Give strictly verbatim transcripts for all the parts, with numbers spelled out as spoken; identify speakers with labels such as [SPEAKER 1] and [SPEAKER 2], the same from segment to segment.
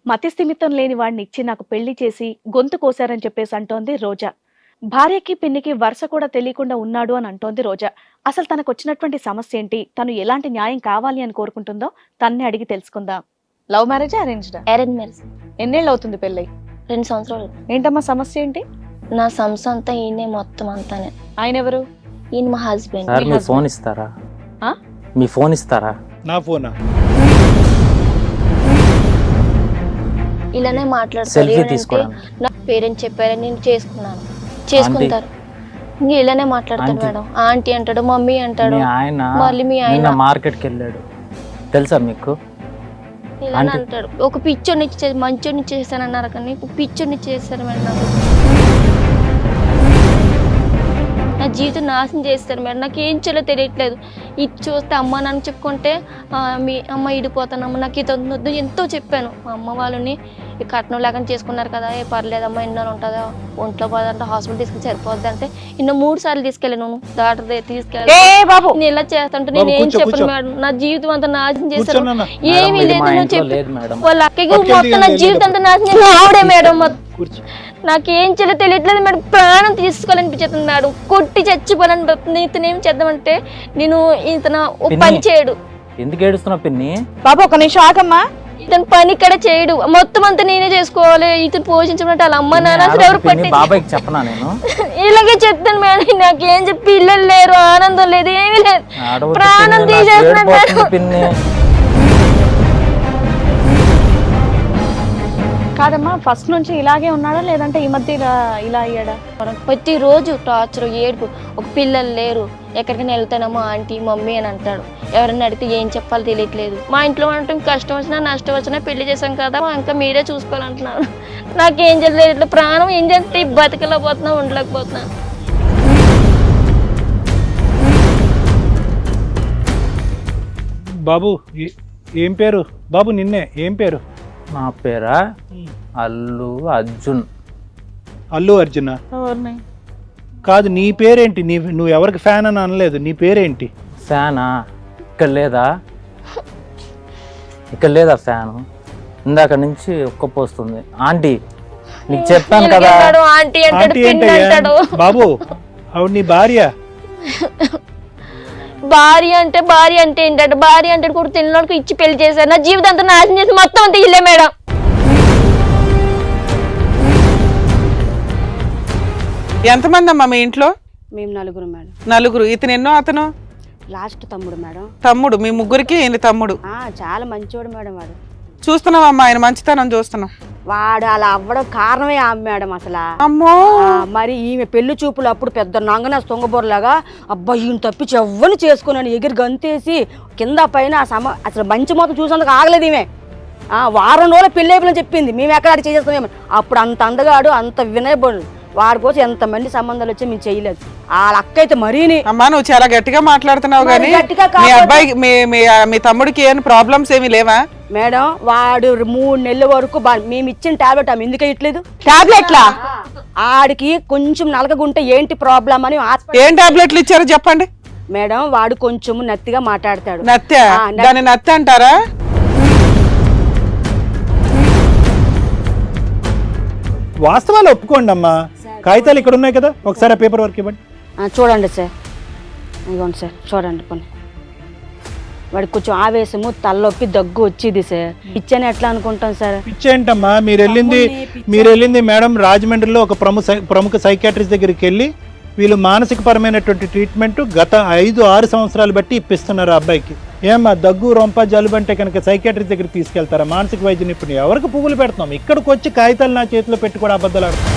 [SPEAKER 1] మతిస్థిమితం లేని వాడిని ఇచ్చి నాకు పెళ్లి చేసి గొంతు కోశారని చెప్పేసి అంటోంది రోజా. భార్యకి పిన్నికి వరుస కూడా తెలియకుండా ఉన్నాడు అని అంటోంది రోజా. అసలు తనకు వచ్చినటువంటి సమస్య ఏంటి, తను ఎలాంటి న్యాయం కావాలి అని కోరుకుంటుందో తన్నే అడిగి తెలుసుకుందాం. Love marriage arranged?
[SPEAKER 2] Arrange marriage.
[SPEAKER 1] ఎన్నేళ్ళు అవుతుంది పెళ్ళై?
[SPEAKER 2] రెండు సంవత్సరాలు.
[SPEAKER 1] ఏంటమ్మా సమస్య ఏంటి?
[SPEAKER 2] నా సమస్య అంతా ఈయనే మొత్తం అంతానే.
[SPEAKER 1] ఆయన ఎవరు?
[SPEAKER 2] ఈయన మా హస్బెండ్.
[SPEAKER 3] సార్ మీ ఫోన్ ఇస్తారా? మీ ఫోన్ ఇస్తారా?
[SPEAKER 4] నా ఫోనా?
[SPEAKER 2] ఇలానే మాట్లాడతారు.
[SPEAKER 3] సెల్ఫీ తీసుకోవడం.
[SPEAKER 2] నా పేరెంట్స్ చెప్పారని నేను చేసుకున్నాను, చేసుకుంటారు. ఇంకా ఇలానే మాట్లాడతాడు మేడం. ఆంటీ అంటాడు, మమ్మీ అంటాడు.
[SPEAKER 3] మీ ఆయన
[SPEAKER 2] మళ్ళీ మీ ఆయన
[SPEAKER 3] మార్కెట్కి వెళ్ళాడు తెలుసా మీకు?
[SPEAKER 2] ఇలానే అంటాడు. ఒక పిచ్చోడిని ఇచ్చేది మంచోడిని చేశానన్నారు కానీ పిచ్చోడిని చేశారు మేడం. నాకు నా జీవితం నాశనం చేస్తారు మేడం. నాకు ఏం చేయాలో తెలియట్లేదు. ఇది చూస్తే అమ్మ నాన్న చెప్పుకుంటే మీ అమ్మ ఇడిపోతానమ్మ, నాకు ఇది వద్దు ఎంతో చెప్పాను. మా అమ్మ వాళ్ళని ఈ కట్నం లేకుండా చేసుకున్నారు కదా, ఏ పర్లేదమ్మా ఎన్నో ఉంటుందా, ఒంట్లో పోదంటే హాస్పిటల్ తీసుకుని సరిపోద్ది అంటే ఇన్నో మూడు సార్లు తీసుకెళ్ళాను. డాక్టర్ తీసుకెళ్ళి నేను ఇలా చేస్తుంటే నేను ఏం చెప్పను మేడం. నా జీవితం అంతా నాశనం చేశారు. ఏమీ లేదు నువ్వు చెప్పి వాళ్ళ అక్కకి మొత్తం నా జీవితం అంతా నాశనం ఆవిడే మేడం. నాకేం చేయాలో తెలియట్లేదు మేడం. ప్రాణం తీసుకోవాలనిపించేస్తుంది మేడం. కొట్టి చచ్చిపోవాలని ఇతను ఏం చేద్దామంటే నేను ఇతను పని చేయడు.
[SPEAKER 3] ఎందుకు ఏడుస్తున్నావు పిన్ని?
[SPEAKER 1] బాబు ఒక నిమిషం ఆగమ్మా.
[SPEAKER 2] ఇతను పని ఇక్కడ చేయడు, మొత్తం అంతా నేనే చేసుకోవాలి. ఇతను పోషించమంటే వాళ్ళ అమ్మ నాన్న అసలు ఎవరు పట్టి
[SPEAKER 3] బాబాయ్కి చెప్పనా నేను?
[SPEAKER 2] ఇలాగే చెప్తాను మేడం. నాకేం చెప్పి పిల్లలు లేరు, ఆనందం లేదు, ఏమీ లేదు. ప్రాణం తీసేస్తున్నాడు
[SPEAKER 3] పిన్ని.
[SPEAKER 1] కాదమ్మా, ఫస్ట్ నుంచి ఇలాగే ఉన్నాడా లేదంటే ఈ మధ్య ఇలా ఇలా అయ్యాడా?
[SPEAKER 2] ప్రతి రోజు టార్చర్, ఏడుపు. ఒక పిల్లలు లేరు, ఎక్కడికైనా వెళ్తానమ్మా ఆంటీ మమ్మీ అని అంటాడు. ఎవరైనా అడిగితే ఏం చెప్పాలో తెలియట్లేదు. మా ఇంట్లో అంటే కష్టం వచ్చినా నష్టం వచ్చినా పెళ్లి చేశాం కదా, ఇంకా మీరే చూసుకోవాలంటున్నాను. నాకేం చేయలేదు. ఇట్లా ప్రాణం ఏం చేస్తే బతకలేకపోతున్నా, ఉండలేకపోతున్నా.
[SPEAKER 4] బాబు ఏం పేరు? బాబు నిన్నే ఏం పేరు?
[SPEAKER 3] నా పేరా అల్లు అర్జున్.
[SPEAKER 4] అల్లు అర్జునా? కాదు, నీ పేరేంటి? నీ నువ్వు ఎవరికి ఫ్యాన్ అని అనలేదు, నీ పేరేంటి?
[SPEAKER 3] ఫ్యానా? ఇక్కడ లేదా? ఇక్కడ లేదా ఫ్యాను? ఇందాక నుంచి ఒక్కపోస్తుంది. ఆంటీ నీకు చెప్పాను కదా.
[SPEAKER 2] ఆంటీ
[SPEAKER 4] ఆంటీ ఏంటయ్యా? బాబు ఆవిడ నీ భార్య.
[SPEAKER 2] భార్య అంటే భార్య అంటే ఏంటంటే భార్య అంటే కూడా తినడానికి ఇచ్చి పెళ్లి చేశారు. నా జీవితం అంతా నాశనం చేసి మొత్తం అంతా ఇల్లే మేడం.
[SPEAKER 5] ఎంతమంది అమ్మా మీ ఇంట్లో?
[SPEAKER 6] మేము నలుగురు మేడం.
[SPEAKER 5] నలుగురు. ఇతను ఎన్నో? అతను
[SPEAKER 6] లాస్ట్ తమ్ముడు మేడం.
[SPEAKER 5] తమ్ముడు. మీ ముగ్గురికి ఈయన తమ్ముడు.
[SPEAKER 6] చాలా మంచివాడు మేడం. వాడు
[SPEAKER 5] చూస్తున్నావమ్మా, ఆయన మంచితనం చూస్తున్నాం.
[SPEAKER 6] వాడు అలా అవ్వడం కారణమే ఆమె మేడం. అసలు
[SPEAKER 5] అమ్మో,
[SPEAKER 6] మరి ఈమె పెళ్లి చూపులు అప్పుడు పెద్ద నంగన సొంగబోర్లాగా అబ్బా ఈయన తప్పించి ఎవ్వని చేసుకున్నాను ఎగిరి గంతేసి కింద పైన సమ అసలు మంచి మొత్తం చూసేందుకు ఆగలేదు ఈమె. వారం రోజులు పెళ్లి అయిపోయిన చెప్పింది, మేము ఎక్కడ అడిగి చేసేస్తామేమో. అప్పుడు అంత అందగాడు, అంత వినయబడు. వాడి కోసం ఎంతమంది సంబంధాలు వచ్చి మేము చేయలేదు. వాళ్ళ అక్క అయితే మరీని.
[SPEAKER 5] అమ్మా నువ్వు చాలా గట్టిగా మాట్లాడుతున్నావు కానీ మీ అబ్బాయికి మీ తమ్ముడికి ఏమైనా ప్రాబ్లమ్స్ ఏమీ లేవా
[SPEAKER 6] మేడం? వాడు మూడు నెలల వరకు మేము ఇచ్చిన టాబ్లెట్ ఆమె ఎందుకు ఇట్లేదు? టాబ్లెట్లా? ఆడికి కొంచెం నలగగుంటే ఏంటి ప్రాబ్లం అని.
[SPEAKER 5] ఏం టాబ్లెట్లు ఇచ్చారో చెప్పండి
[SPEAKER 6] మేడం. వాడు కొంచెం నత్తిగా మాట్లాడతాడు.
[SPEAKER 5] నత్య? దాన్ని నత్తి అంటారా?
[SPEAKER 4] వాస్తవాలు ఒప్పుకోండి అమ్మా. కాగితాలు ఇక్కడ ఉన్నాయి కదా, ఒకసారి ఆ పేపర్ వర్క్ ఇవ్వండి.
[SPEAKER 6] చూడండి సార్, ఇవ్వండి సార్, చూడండి కొన్ని. వాడికి కొంచెం ఆవేశము, తలనొప్పి, దగ్గు వచ్చేది సార్. పిచ్చని ఎట్లా అనుకుంటాం సార్?
[SPEAKER 4] పిచ్చేంటమ్మా? మీరు వెళ్ళింది మీరు వెళ్ళింది మేడం రాజమండ్రిలో ఒక ప్రముఖ ప్రముఖ సైకాట్రిస్ట్ దగ్గరికి వెళ్ళి వీళ్ళు మానసిక పరమైనటువంటి ట్రీట్మెంట్ గత ఐదు ఆరు సంవత్సరాలు బట్టి ఇప్పిస్తున్నారు అబ్బాయికి. ఏమ్మా దగ్గు రొంప జలుబు అంటే కనుక సైకాట్రిస్ట్ దగ్గరికి తీసుకెళ్తారా? మానసిక వైద్య నిపుణులు ఎవరికి పువ్వులు పెడుతున్నాం? ఇక్కడికి వచ్చి కాగితాలు నా చేతిలో పెట్టి కూడా అబద్ధాలు ఆడుతున్నాం.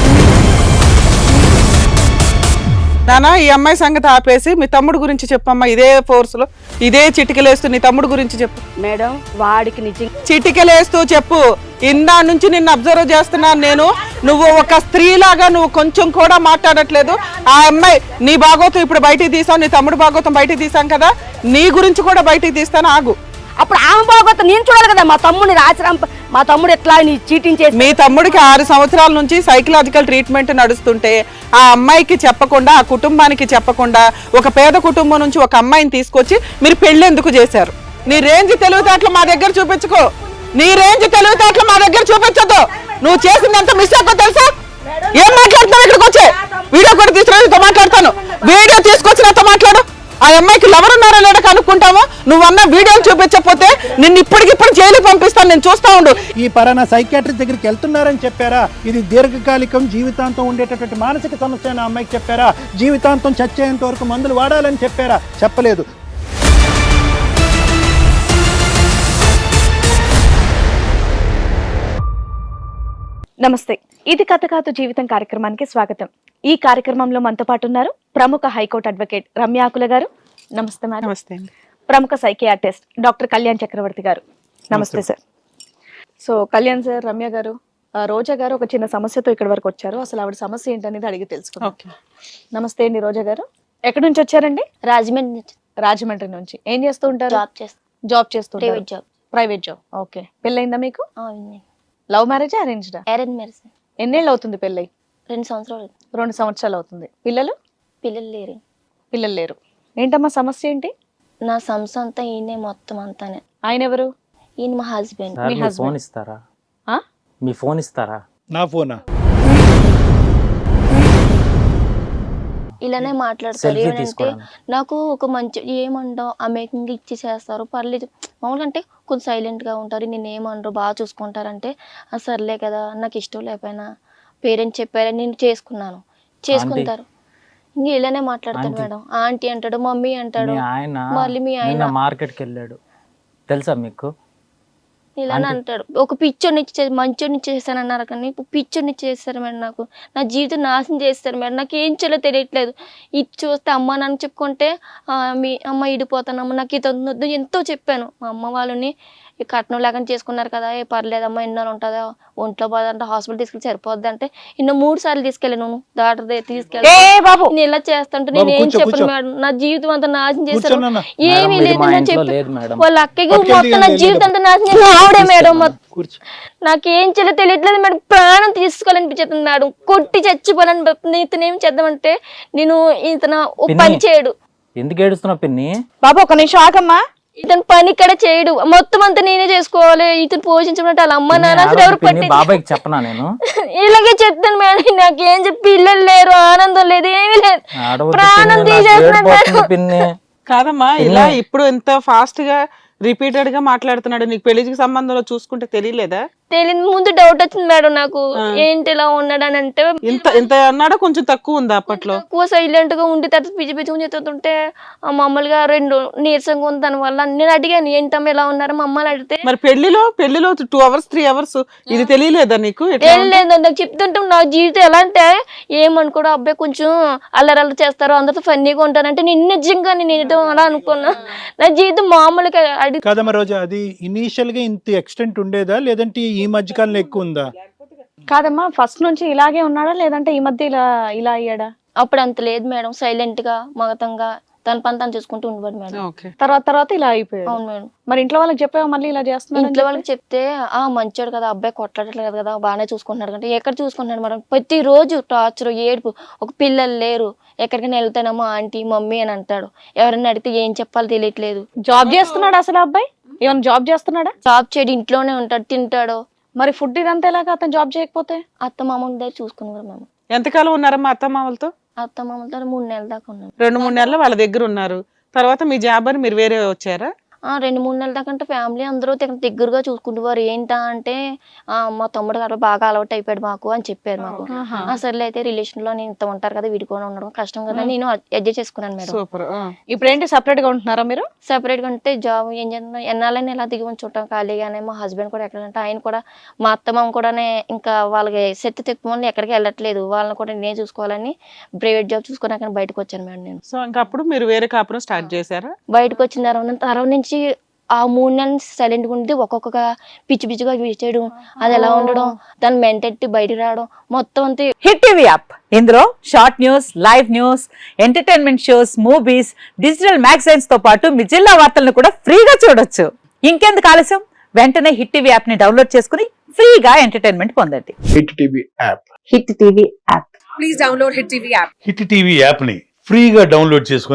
[SPEAKER 5] నానా ఈ అమ్మాయి సంగతి ఆపేసి మీ తమ్ముడు గురించి చెప్పమ్మా. ఇదే ఫోర్స్ లో ఇదే చిటికలేస్తూ నీ తమ్ముడు గురించి చెప్పు
[SPEAKER 6] మేడం. వాడికి నిజం
[SPEAKER 5] చిటికలేస్తూ చెప్పు. ఇందా నుంచి నిన్ను అబ్జర్వ్ చేస్తున్నాను నేను. నువ్వు ఒక స్త్రీలాగా నువ్వు కొంచెం కూడా మాట్లాడట్లేదు. ఆ అమ్మాయి నీ భాగోతం ఇప్పుడు బయటికి తీసావు, నీ తమ్ముడు భాగోతం బయటికి తీసాం కదా, నీ గురించి కూడా బయటికి తీస్తాను, ఆగు.
[SPEAKER 6] అప్పుడు ఆమె బాగోతా నేను చూడాలి కదా. మా తమ్ముడిని రాచరం మా తమ్ముడు ఎట్లా చీటింగ్ చేసి.
[SPEAKER 5] మీ తమ్ముడికి ఆరు సంవత్సరాల నుంచి సైకలాజికల్ ట్రీట్మెంట్ నడుస్తుంటే ఆ అమ్మాయికి చెప్పకుండా, ఆ కుటుంబానికి చెప్పకుండా, ఒక పేద కుటుంబం నుంచి ఒక అమ్మాయిని తీసుకొచ్చి మీరు పెళ్లి ఎందుకు చేశారు? నీ రేంజ్ తెలివితేటలు మా దగ్గర చూపించుకో. నీ రేంజ్ తెలివితేటలు మా దగ్గర చూపించొద్దు. నువ్వు చేసింది ఎంత మిస్టేక్ తెలుసా? ఏం మాట్లాడుతున్నావు? ఇక్కడికి వచ్చే వీడియో కూడా తీసుకుని మాట్లాడతాను. వీడియో తీసుకొచ్చి నాతో మాట్లాడు. ఆ అమ్మాయికి ఎవరు ఉన్నారో లేడో కనుక్కుంటాము. నువ్వన్న వీడియోలు చూపించకపోతే నిన్ను ఇప్పటికిప్పుడు జైలు పంపిస్తాను. నేను చూస్తా ఉండు.
[SPEAKER 4] ఈ పరానా సైకాట్రిస్ట్ దగ్గరికి వెళ్తున్నారని చెప్పారా? ఇది దీర్ఘకాలికం, జీవితాంతం ఉండేటటువంటి మానసిక సమస్య అని ఆ అమ్మాయికి చెప్పారా? జీవితాంతం చచ్చేంత వరకు మందులు వాడాలని చెప్పారా? చెప్పలేదు.
[SPEAKER 1] నమస్తే, ఇది కథ కాదు జీవితం కార్యక్రమానికి స్వాగతం. ఈ కార్యక్రమంలో మనతో పాటు ఉన్నారు ప్రముఖ హైకోర్టు అడ్వకేట్ రమ్యాకుల గారు. నమస్తే మేడం.
[SPEAKER 5] నమస్తే.
[SPEAKER 1] ప్రముఖ సైకియాట్రిస్ట్ డాక్టర్ కళ్యాణ్ చక్రవర్తి గారు. నమస్తే sir. So Kalyan sir, Ramya గారు, ఆ, రోజా గారు ఒక చిన్న సమస్యతో ఇక్కడ వరకు వచ్చారు. అసలు ఆవిడ సమస్య ఏంటనేది అడిగి తెలుసుకుందాం.
[SPEAKER 5] ఓకే.
[SPEAKER 1] నమస్తే అండి రోజా గారు. ఎక్కడి నుంచి వచ్చారండి?
[SPEAKER 2] రాజమండ్రి నుంచి
[SPEAKER 1] రాజమండ్రి నుంచి. ఏం చేస్తూ ఉంటారు?
[SPEAKER 2] జాబ్ చేస్తాను.
[SPEAKER 1] జాబ్ చేస్తూ
[SPEAKER 2] private job.
[SPEAKER 1] Private job. Okay. పెళ్ళయిందా మీకు?
[SPEAKER 2] అవునండి.
[SPEAKER 1] లవ్ మ్యారేజా, అరేంజ్డా?
[SPEAKER 2] Arrange marriage.
[SPEAKER 1] ఎన్నేళ్ళు అవుతుంది పెళ్ళై?
[SPEAKER 2] రెండు సంవత్సరాలు.
[SPEAKER 1] రెండు సంవత్సరాలు అవుతుంది. పిల్లలు?
[SPEAKER 2] పిల్లలు లేరు.
[SPEAKER 1] పిల్లలు లేరు. ఏంటమ్మా సమస్య ఏంటి?
[SPEAKER 2] నా సంస్థ అంతా ఈయనే మొత్తం అంతానే.
[SPEAKER 1] ఆయన ఎవరు?
[SPEAKER 2] ఈయన మా హస్బెండ్.
[SPEAKER 3] సార్,
[SPEAKER 1] మీ
[SPEAKER 3] మీ
[SPEAKER 1] husband.
[SPEAKER 3] ఫోన్ ఇస్తారా?
[SPEAKER 1] ఆ?
[SPEAKER 3] మీ ఫోన్ ఇస్తారా?
[SPEAKER 4] నా ఫోనా?
[SPEAKER 2] ఇలానే మాట్లాడతారు.
[SPEAKER 3] సెల్ఫీ
[SPEAKER 2] ఏమంటే
[SPEAKER 3] తీసుకోవడానికి.
[SPEAKER 2] నాకు ఒక మంచి ఏమంటావు ఆ మేకింగ్ ఇచ్చి చేస్తారు, పర్లేదు మామూలుగా అంటే కొంచెం సైలెంట్గా ఉంటారు, నేను ఏమనరు, బాగా చూసుకుంటారంటే ఆ సర్లే కదా, నాకు ఇష్టం లేకపోయినా పేరెంట్స్ చెప్పారని నేను చేసుకున్నాను, చేసుకుంటారు. ఇంక ఇలానే మాట్లాడతాడు
[SPEAKER 3] ఆంటీ.
[SPEAKER 2] మేడం. ఆంటీ అంటాడు, మమ్మీ అంటాడు.
[SPEAKER 3] మీ ఆయన
[SPEAKER 2] మళ్ళీ మీ ఆయన
[SPEAKER 3] నిన్న మార్కెట్కి వెళ్ళాడు తెలుసా మీకు?
[SPEAKER 2] ఇలానే అంటాడు. ఒక పిచ్చోడిని ఇచ్చి మంచోడిని చేశాను అన్నారు, కానీ పిచ్చోడిని చేస్తారు మేడం. నాకు నా జీవితం నాశనం చేస్తారు మేడం. నాకు ఏం చేయాలో తెలియట్లేదు. ఇది చూస్తే అమ్మ నాన్న చెప్పుకుంటే "ఆ, మీ అమ్మ ఇడిపోతానమ్మ, నాకు ఇది వద్దు" ఎంతో చెప్పాను. మా అమ్మ వాళ్ళని ఈ కట్నం లేకుండా చేసుకున్నారు కదా, ఏ పర్లేదమ్మా, ఎన్నో ఉంటుందా, ఒంట్లో బాధ అంటే హాస్పిటల్ తీసుకెళ్ళి సరిపోద్ది అంటే ఇన్నో మూడు సార్లు తీసుకెళ్ళాను. డాక్టర్ దగ్గర తీసుకెళ్ళి నేను ఇలా చేస్తుంటే నేను ఏం
[SPEAKER 4] కూర్చో,
[SPEAKER 2] చెప్పను
[SPEAKER 4] కూర్చో.
[SPEAKER 2] మేడం. నా జీవితం అంతా నాశనం చేశారు.
[SPEAKER 4] కూర్చోనన్నా.
[SPEAKER 2] ఏమీ
[SPEAKER 3] మేడం, ఇది
[SPEAKER 2] లేదు
[SPEAKER 3] మా
[SPEAKER 2] నా
[SPEAKER 3] ఇంట్లో
[SPEAKER 2] చెప్పి
[SPEAKER 3] లేదు మేడం.
[SPEAKER 2] వాళ్ళ అక్కకి
[SPEAKER 4] పట్టుకెళ్ళి
[SPEAKER 2] మొత్తం నా
[SPEAKER 4] వెళ్ళి
[SPEAKER 2] జీవితం అంతా నాశనం చేసిన ఆవిడే మేడం. మొత్తం
[SPEAKER 4] కూర్చో.
[SPEAKER 2] నాకేం చేయాలో తెలియట్లేదు మేడం. ప్రాణం తీసుకోవాలనిపించేస్తుంది మేడం. కొట్టి చచ్చిపోవాలని. ఇతనేం చేద్దామంటే నేను ఇతను ఓ
[SPEAKER 3] పిన్ని.
[SPEAKER 2] పని చేయడు.
[SPEAKER 3] ఎందుకు ఏడుస్తున్నావు పిన్ని?
[SPEAKER 1] బాబు ఒక నిమిషం ఆగమ్మా.
[SPEAKER 2] ఇతను పని ఇక్కడ చేయడు, మొత్తం అంతా నేనే చేసుకోవాలి. ఇతను పోషించమంటే వాళ్ళ అమ్మ నాన్న అసలు ఎవరు
[SPEAKER 3] పిన్ని,
[SPEAKER 2] పట్టి
[SPEAKER 3] బాబాయ్కి చెప్పనా నేను?
[SPEAKER 2] ఇలాగే చెప్తాను మేడం. నాకేం చెప్పి పిల్లలు లేరు, ఆనందం లేదు, ఏమీ లేదు.
[SPEAKER 3] ఆడవద్దు
[SPEAKER 2] ప్రాణం
[SPEAKER 3] పిన్ని, నాకు
[SPEAKER 2] తీసేస్తున్నాడు
[SPEAKER 3] ఏడుపోతుంది
[SPEAKER 2] మేడం.
[SPEAKER 3] పిన్ని.
[SPEAKER 5] కాదమ్మా, ఇలా ఇప్పుడు ఎంత ఫాస్ట్ గా రిపీటెడ్ గా మాట్లాడుతున్నాడు. నీకు పెళ్లికి సంబంధంలో చూసుకుంటే తెలియలేదా?
[SPEAKER 2] తెలియదు. ముందు డౌట్ వచ్చింది మేడం నాకు, ఏంటి ఇలా ఉన్నాడు అని. అంటే
[SPEAKER 5] ఇంత ఇంత అన్నాడా? కొంచెం తక్కువ ఉందా అప్పట్లో?
[SPEAKER 2] ఎక్కువ సైలెంట్ గా ఉండి తర్వాత పిచ్చి పిచ్చి చెప్తుంటే మామూలుగా రెండు నీరసంగా ఉంది. దాని వల్ల నేను అడిగాను, ఏంటమ్మా ఇలా ఉన్నారు మా అమ్మని అడిగితే
[SPEAKER 5] మరి పెళ్లిలో పెళ్లిలో టూ అవర్స్ త్రీ అవర్స్ ఇది తెలియలేదా నీకు? ఎట్లా
[SPEAKER 2] ఏం లేదు నాకు చెప్తుంటే నా జీవితం ఎలా అంటే ఏమనుకోడు, అబ్బాయి కొంచెం అల్లరల్లు చేస్తారు, అందరితో ఫన్నీగా ఉంటారంటే నేను నిజంగా నేను ఏదో అలా అనుకున్నా. నా జీవితం మామూలుగా అడిగి
[SPEAKER 4] కాదమ్మా రోజా, అది ఇనీషియల్ గా ఇంత ఎక్స్టెంట్ ఉండేదా, లేదంటే ఈ మధ్య కాలంలో ఎక్కువ ఉందా?
[SPEAKER 1] కాదమ్మా, ఫస్ట్ నుంచి ఇలాగే ఉన్నాడా లేదంటే ఈ మధ్య ఇలా ఇలా అయ్యాడా?
[SPEAKER 2] అప్పుడు అంత లేదు మేడం. సైలెంట్ గా మగతంగా తన పని తను చూసుకుంటూ ఉండేవాడు మేడం.
[SPEAKER 5] ఓకే.
[SPEAKER 1] తర్వాత తర్వాత ఇలా అయిపోయాడు.
[SPEAKER 2] అవును మేడం.
[SPEAKER 1] మరి ఇంట్లో వాళ్ళకి చెప్పావా మళ్ళీ ఇలా చేస్తున్నాడు?
[SPEAKER 2] ఇంట్లో వాళ్ళకి చెప్తే ఆ మంచోడు కదా, అబ్బాయి కొట్టట్లేదు కదా, బాగానే చూసుకుంటున్నాడు అంటే ఎక్కడ చూసుకుంటున్నాడు మేడం. ప్రతి రోజు టార్చర్, ఏడుపు. ఒక పిల్లలు లేరు, ఎక్కడికైనా వెళ్తానమ్మా ఆంటీ మమ్మీ అని అంటాడు. ఎవరైనా అడిగితే ఏం చెప్పాలో తెలియట్లేదు.
[SPEAKER 1] జాబ్ చేస్తున్నాడు అసలు అబ్బాయి? ఏమైనా జాబ్ చేస్తున్నాడా?
[SPEAKER 2] జాబ్ చేయడు, ఇంట్లోనే ఉంటాడు, తింటాడు.
[SPEAKER 1] మరి ఫుడ్ ఇదంతా ఎలాగా అతను జాబ్ చేయకపోతే?
[SPEAKER 2] అత్త మామూలు దగ్గర చూసుకున్నారు మేము.
[SPEAKER 5] ఎంతకాలం ఉన్నారమ్మా అత్తమామలతో?
[SPEAKER 2] అత్త మామూలు మూడు నెలల దాకా ఉన్నాం.
[SPEAKER 5] రెండు మూడు నెలలు వాళ్ళ దగ్గర ఉన్నారు. తర్వాత మీ జాబ్ అని మీరు వేరే వచ్చారా?
[SPEAKER 2] ఆ రెండు మూడు నెలల దాకా అంటే ఫ్యామిలీ అందరూ దగ్గర దగ్గరగా చూసుకుంటున్నారు. ఏంటా అంటే ఆ మా తమ్ముడు గారు బాగా అలవాటు అయిపోయాడు మాకు అని చెప్పారు మాకు. ఆ సర్లే అయితే రిలేషన్ లో నేను ఇంత ఉంటారు కదా, విడిపోయి ఉండడం కష్టం కదా, నేను అడ్జస్ట్ చేసుకున్నాను మేడం.
[SPEAKER 5] సూపర్.
[SPEAKER 1] ఇప్పుడు ఏంటి సెపరేట్ గా ఉంటున్నారా మీరు?
[SPEAKER 2] సెపరేట్ గా ఉంటే జాబ్ ఏం చేస్తున్నా ఎన్నాళ్ళని ఎలా దిగి ఉంచుంటాం ఖాళీగానే. మా హస్బెండ్ కూడా ఎక్కడంటే ఆయన కూడా మా అత్తమ్మ కూడానే ఇంకా వాళ్ళకి సెట్ తెప్పుకొని ఎక్కడికి వెళ్ళట్లేదు, వాళ్ళని కూడా నేనే చూసుకోవాలని ప్రైవేట్ జాబ్ చూసుకున్నాక బయటకు వచ్చాను మేడం నేను.
[SPEAKER 5] సో ఇంకా అప్పుడు మీరు వేరే కాపురం స్టార్ట్ చేశారా?
[SPEAKER 2] బయటకు వచ్చిన తర్వాత తర్వాత నుంచి ఆ మూడు నెలలు సైలెంట్గా ఉండి ఒక్కొక్క పిచ్చి పిచ్చిగా చేయడం, అది ఎలా ఉండడం, దాని మెంటెట్టి బయటకు రావడం మొత్తం అంతే.
[SPEAKER 7] హిట్ టీవీ యాప్, ఇందులో short news, live news, entertainment shows, movies, digital magazines తో పాటు మీ జిల్లా వార్తలను కూడా ఫ్రీగా చూడొచ్చు. ఇంకెందుకు ఆలస్యం, వెంటనే హిట్ టీవీ యాప్ ని డౌన్లోడ్ చేసుకుని ఫ్రీగా ఎంటర్టైన్మెంట్ పొందండి.
[SPEAKER 8] Hit TV app.
[SPEAKER 7] Hit TV app.
[SPEAKER 9] Hit TV app ని ఫ్రీగా డౌన్లోడ్ చేసుకొని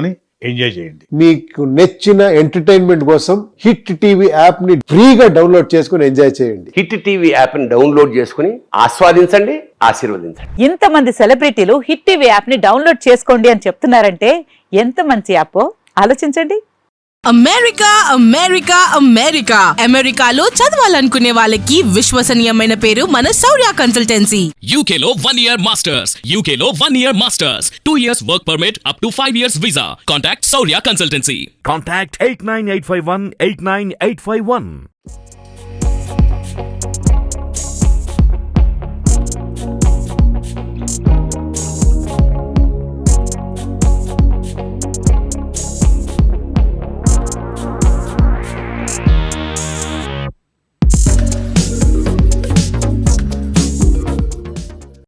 [SPEAKER 8] ఎంజాయ్ చేయండి.
[SPEAKER 9] మీకు నచ్చిన ఎంటర్టైన్మెంట్ కోసం హిట్ టీవీ యాప్ ని ఫ్రీగా డౌన్లోడ్ చేసుకుని ఎంజాయ్ చేయండి.
[SPEAKER 10] హిట్ టీవీ యాప్ ని డౌన్లోడ్ చేసుకుని ఆస్వాదించండి, ఆశీర్వదించండి.
[SPEAKER 7] ఇంతమంది సెలబ్రిటీలు హిట్ టీవీ యాప్ ని డౌన్లోడ్ చేసుకోండి అని చెప్తున్నారంటే ఎంత మంచి యాప్ ఆలోచించండి.
[SPEAKER 11] అమెరికా అమెరికా అమెరికా అమెరికాలో చదవాలనుకునే వాళ్ళకి విశ్వసనీయమైన పేరు మన శౌర్య కన్సల్టెన్సీ.
[SPEAKER 12] యూకేలో వన్ ఇయర్ మాస్టర్స్ యూకేలో one year masters two years work permit up to five years visa. Contact Shaurya consultancy.
[SPEAKER 8] Contact eight nine eight five one eight nine eight five one.